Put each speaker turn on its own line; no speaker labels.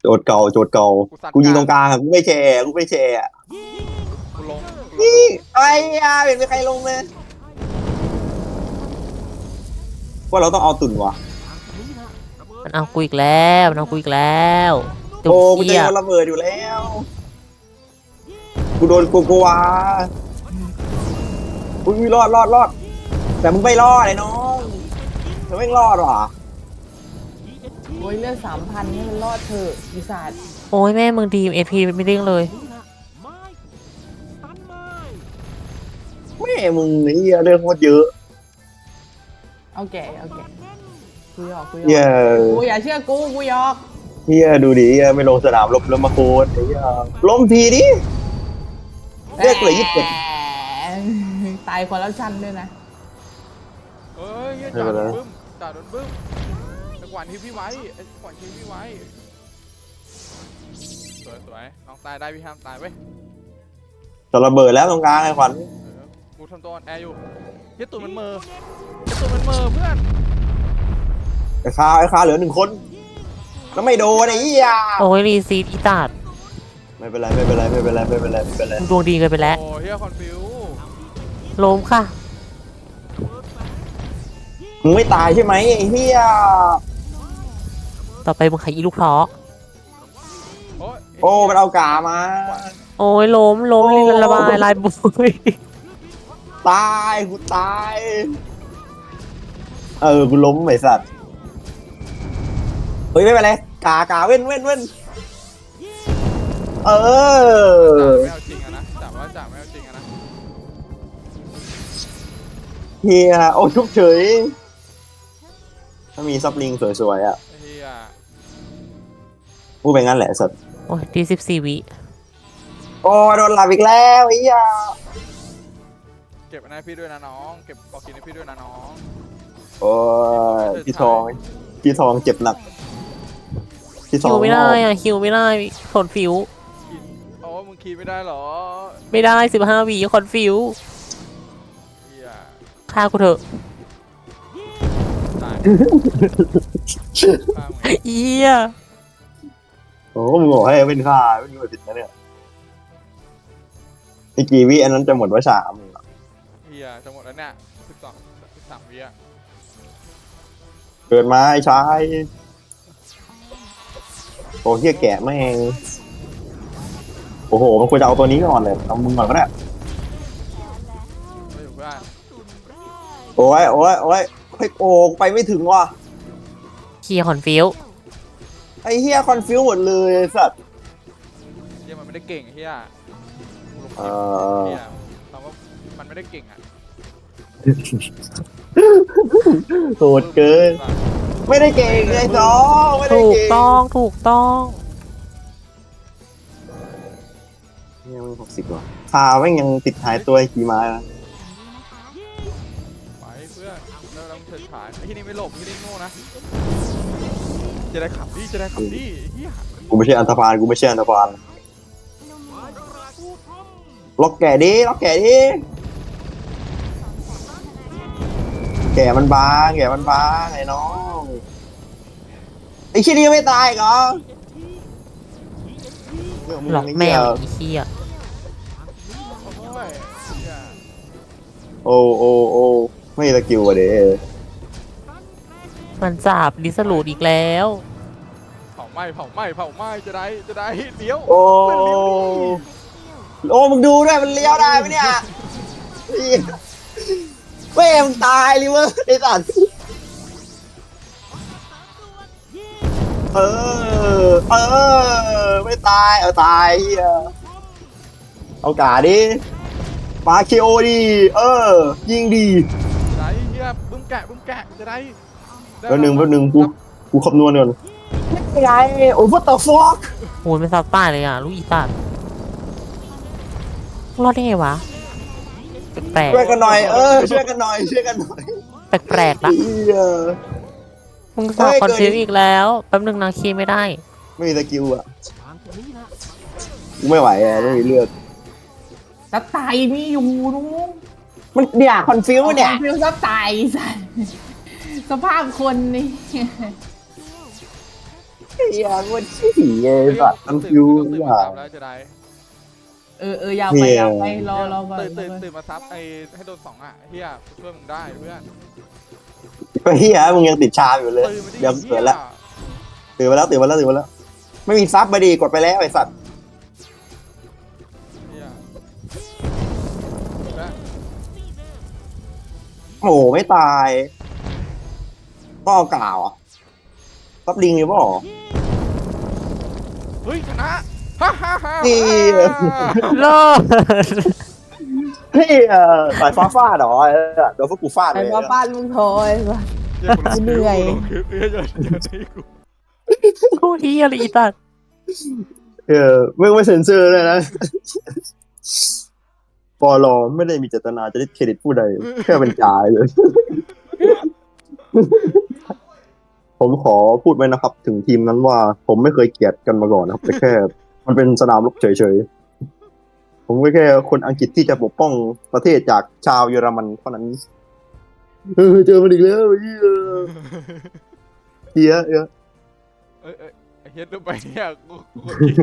โจทย์เก่าโจทย์เก่ากูยิงตรงกลางอะกูไม่แชร์กูไม่แชร์อะ
กูลง
นี่
ลูก
ไอ้ยาเห็นไม่ใครลงเลยว่าเราต้องเอาตุ่นวะ
มันเอากูอีกแล้วมันเอากูอีกแล้วตุ่ม
โอ้กู
เขี้ย
จะโดนระเบิดอยู่แล้วกูโดนโกโกวาอุ้ยรอดแต่มึงไม่รอดไอ้น้องเธอไม่รอดหรอ
โอ้ยเลือด3,000นี่มันรอดเถอะปีศาจ
โอ้ยแม่มึงดีเอพีไม่เด้งเลย
แม่มึงนี่เรื่องโคตรเยอะ
เอาแก่กูหยอก
เฮีย
กูอย่าเชื่อกูหยอก
เฮียดูดิเฮียไม่ลงสนามรบแล้วมาโคตรไอ้เฮียล้มทีดิเรียกเลย27
ตายคอร์รัปชันด้วยนะ
เฮ้ยจ่าโดนบึ้มจ่าโดนบึ้มจังหวะที่พี่ไว้จังหวะที่พี่ไว้สวยน้องตายได้พี่ห้ามตายเว้ย
จะระเบิดแล้วตรงกลางไอ้ขวัญ
กูทำตัวแอร์อยู่ยัดตุ่มันเมอยัดตุ่มันเมอเพื่อน
ไอ้คาเหลือ1 คนแล้วไม่โดนไอ้เหี้ย
โอ้ยรีซีดอีตาด
ไม่เป็นไร
ดวงดีเกินไปแล้ว
โอ้เฮียคอนฟิว
ล้มค่ะ
มึงไม่ตายใช่ไหมไอ้เหี้ย
ต่อไปมึงขายอีลูกเพาะ
โอ้มันเอากามา
โอ้ยล้มระบายลายบุย
ตายกูตายกูล้มไอ้สัตว์เฮ้ยไม่เป็นไรกาเว้นเออ
ไม่เอาจริงอะนะจ่าว่าจ่าไม่เอาจริงอะนะ
เฮียโอ้ชุบเฉยถ้ามีซับลิงสวยๆอ่ะ
เฮีย
พูดไปงั้นแหละสัตว์
โอ้ยดี14 วิ
โอ้โดนหลับอีกแล้วไอ้เหี้ย
เก็บอันนั้นพี่ด้วยนะน้องเก็บบอกกินให้พี่ด้วยนะน้อง
โอ้ยพี่ทองเจ็บหนัก
ฮิวไม่ได้อะฮิวไม่ได้คอนฟิว
โอ้มึงคีไม่ได้หรอ
ไม่ได้15 วิคอนฟิวฆ่ากูเถอะเอี้ย
โอ้มึงบอกให้เป็นค่าไม่มีผิดนะเนี่ยไอ้กี่วิอันนั้นจะหมดว่า3
เฮียจะหมดแล้วเนี่ย13 วิอะ
เกิดมาไอ้ชายโอ้เฮียแกะแม่งโอ้โหมันควรจะเอาตัวนี้ก่อนเลยเอามึงก่อนก็ได้โอ้ยโอ้ไปไม่ถึงว่ะ
เฮียคอนฟิว
ไอ้เฮียคอนฟิวหมดเลยไอ้สัตว์
เฮียมันไม่ได้เก่งเฮียถามว่ามันไม่ได้เก่งอะ
โหดเกินไม่ได้เก่งไอ้น้องไม่ได้เก่ง
ถูกต้อง
เนี่ยมัน60 ว่ะคาแม่งยังติดท้ายตัวขี่ม้า
ไปเพื่อนเราต้องเฉิดฉายไอ้ที่นี่ไม่หลบที่นี่โง่นะจะได้ขับดิเฮีย
กูไม่ใช่อันธพาลล็อกแก่ดิแก่มันบางไอ้น้องไอ้ชิ้นนี้ไม่ตายเหรอ
หลอกแมวอีเหี้ย
โอ้ไม่สกิลอ่ะเด้
มันจับดิสลูดอีกแล้ว
เผาไหม้จะได้เลี้ยว
โอ้มึงดูด้วยมันเลี้ยวได้ไหมเนี่ยเว้ยมึงตายเลยเว้ยไอ้สัตว์ไม่ตายตายเอากาดิปาคิโอดิยิงดี
ได้เฮียบึ้มแกะจะได้
แล้วหนึ่งกูคำนวณก่อนไม่ไงโอ้what the fuck
โหไม่ซับตายเลยอ่ะลูกอีตาดรอดได้ไงวะแปลก
ช่วยกันหน่อยช่วยกันหน่อย
แปลกละมึงสอบคอนฟิวอีกแล้วแป๊บนึงนะคีไม่ได้
ไม่มีสกิลอ่ะกูไม่ไหวไม่มีเลือด
ซับไตมีอยู่นู้
มันเนี่ยคอนฟิวเนี่ย
คอนฟิวซับไตสภาพคนนี่
เฮียมันขี้ไอ้สัตว์มันฟิว
ตื่น
อย่า
มาซับแล้วจะได้
ยาวไปยาวไปรอก่อน
ตื่นมาซับไอ้ให้โดน2อ่ะเฮียช่วยมึงได้เพื่อน
ก็เฮียมึงยังติดชาอยู่เลย
ตื่นมาดิ
เดี๋ยวเกิดละตื่นมาแล้วไม่มีซับไปดีกดไปแล้วไอ้สัตว์
เฮีย
โอ้โหไม่ตายต้องเอากล่าวอ่ะซับลิงหรือเปล่า
เฮ้ยชนะฮ่าฮ่าฮ่า
นี่
เลิศ
เฮ้ยสายฟ้าฟาดเหรอโดนพวกกูฟาด
ไอ้
เลย
ป้าป้านมึงโทรไอ้สัส เหนื่อย
กูเฮียอะไรอีตัด
ไม่เซ็นเซอร์เลยนะปลอไม่ได้มีเจตนาจะได้เครดิตผู้ใดแค่เป็นจ่ายเลย ผมขอพูดไว้นะครับ ถึงทีมนั้นว่าผมไม่เคยเกลียดกันมาก่อนนะครับแต่แค่ มันเป็นสนามรบเฉยๆผมก็แค่คนอังกฤษที่จะปกป้องประเทศจากชาวเยอรมันเท่านั้นเจอมันอีกแล้วเฮีย
ไอ้เฮียดูไปเนี่ยกู